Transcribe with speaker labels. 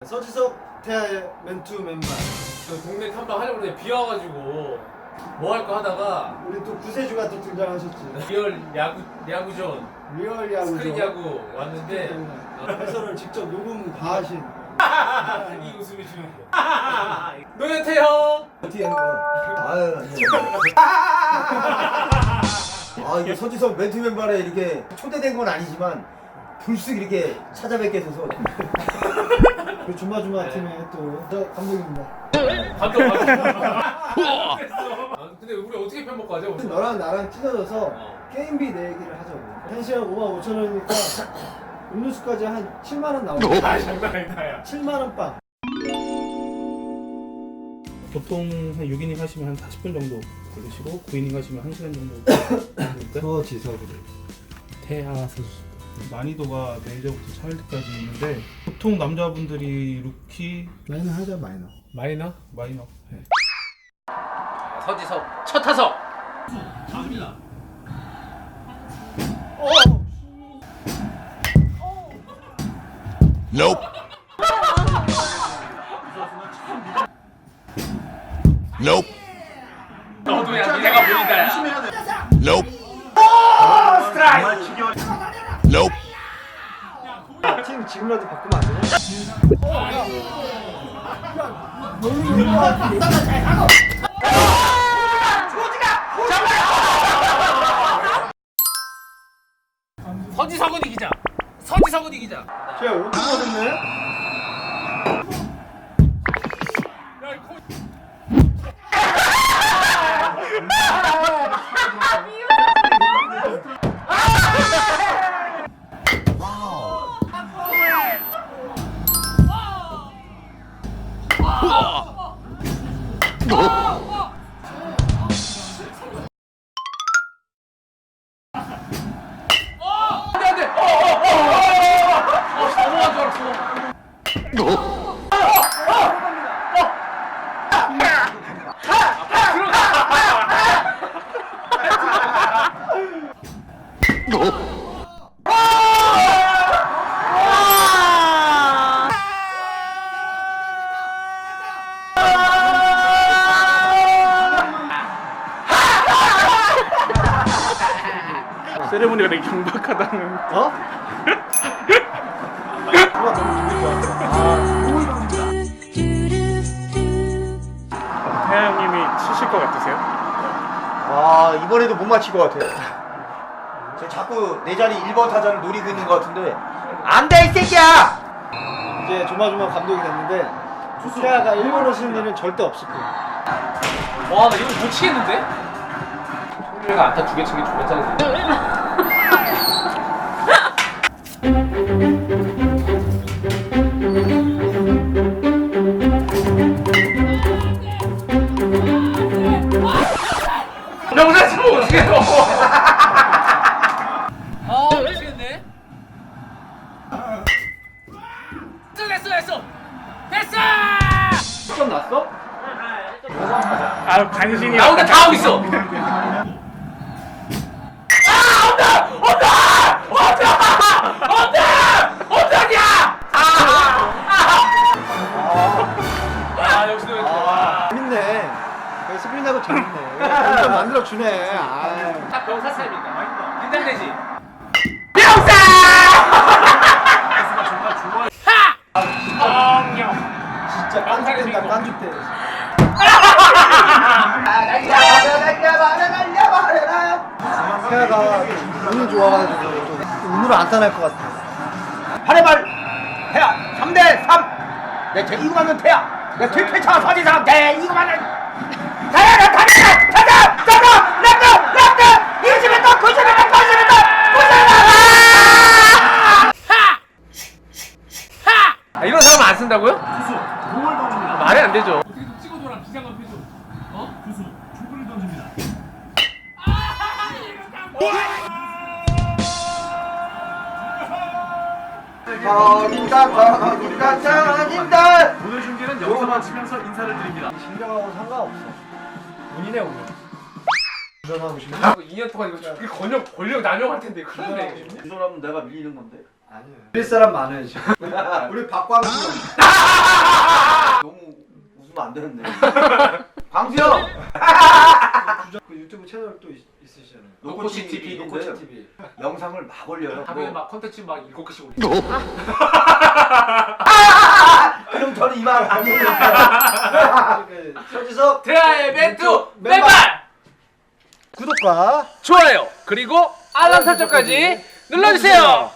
Speaker 1: 서지석 태아의 맨투 맨발.
Speaker 2: 저 동네 탐방 하려고 했는데 비 와가지고 뭐 할 거 하다가
Speaker 1: 우리 또 구세주가 또 등장하셨지.
Speaker 2: 리얼 야구전
Speaker 1: 리얼 야구.
Speaker 2: 스크린 야구 왔는데
Speaker 1: 해설을 직접 녹음 다 하신.
Speaker 2: 이 웃음이 주는 거. 노현태 형.
Speaker 3: 어떻게 하는 거야? 이게 서지석 맨투맨발에 이렇게 초대된 건 아니지만 불쑥 이렇게 찾아뵙게 돼서
Speaker 1: 그 주마주마 팀의 또 감독입니다.
Speaker 2: 감독. 근데 우리 어떻게 편먹고 하죠?
Speaker 1: 너랑 나랑 찢어져서 게임비 내 얘기를 하자고. 1시간 55,000원이니까 음료수까지 한 7만원 나오고.
Speaker 2: 장난 아니다 야.
Speaker 1: 7만원 빵.
Speaker 4: 보통 한 6이닝 하시면 한 40분 정도 걸리시고 9이닝 하시면 1시간 정도 걸릴까요?
Speaker 1: 서지석으로.
Speaker 4: 태아 선수 난이도가 메이저부터 차일드까지 있는데 보통 남자분들이 루키
Speaker 1: 마이너 하자 마이너.
Speaker 2: 마이너?
Speaker 4: 마이너 네.
Speaker 2: 서지석 첫 타석.
Speaker 5: Nope. Nope.
Speaker 2: 너도야 내가 보인다야.
Speaker 5: Nope. Nope.
Speaker 1: 팀 지금이라도 바꾸면 안 되냐?
Speaker 2: 서지석은 이기자. 서지석은 이기자.
Speaker 1: 제가 5등 거든요?
Speaker 4: 세레모니가 되게 경박하다는
Speaker 1: 어?
Speaker 4: 태아 형님이 치실 것 같으세요?
Speaker 3: 와 이번에도 못 맞힐 것 같아요. 저 자꾸 내 자리 1번 타자를 노리고 있는 것 같은데 안 돼 이 새끼야!
Speaker 1: 이제 조마조마 감독이 됐는데 태아가 1번을 쓰는 일은 절대 없을 거야.
Speaker 2: 와, 나 이거 못 치겠는데? 송준이가 안타 2개 치기 존나 짜증나. 명사 치면 어떻게 해요? 미치겠네. 됐어!
Speaker 1: 시점 났어?
Speaker 4: 아 간신히
Speaker 2: 나온다 다 하고 있어. 역시 너
Speaker 1: 재밌네. 스프린하고 재밌네. 점점 만들어 주네.
Speaker 2: 딱 병사 차입니까? 긴장되지?
Speaker 1: 진짜 깐죽된다 깐죽대. 태아가 운이 좋아가지고 또 운으로 안 타날 것 같아.
Speaker 3: 8회말 태야 3대3 내 이거 맞는 태야 내 뒤패차 서지석 내 이거 맞는 태야가 타자 랩트 20m 90m 90m
Speaker 2: 이런 사람 안 쓴다고요? 말이 안 되죠. 어떻게 좀 찍어줘라 비장한 표정. 어? 주수 초구를 던집니다.
Speaker 3: 터진다
Speaker 6: 오늘 중계는 여기서 마치면서 인사를 드립니다.
Speaker 1: 진정하고 상관없어. 본인의 오늘. 운전하고 싶네.
Speaker 2: 2년 동안 이거 권력 남용할 텐데 큰일 났네.
Speaker 3: 이 사람은 내가 밀리는 건데
Speaker 1: 아니에요. 빌 사람 많아요 지금.
Speaker 3: 우리 박광수 안 되는데. 광수형.
Speaker 1: 그 유튜브 채널 또 있으시잖아요.
Speaker 3: 노코치 TV
Speaker 1: 노코치
Speaker 3: 있는데
Speaker 1: TV.
Speaker 3: 영상을 막 올려요.
Speaker 2: 하루에 막 컨텐츠 막 7개씩 올리고.
Speaker 3: 그럼 저는 이만 안 해요.
Speaker 1: 서지석
Speaker 2: 대하의 멘투 맨발!
Speaker 1: 구독과
Speaker 2: 좋아요! 그리고 알람 설정까지 눌러주세요!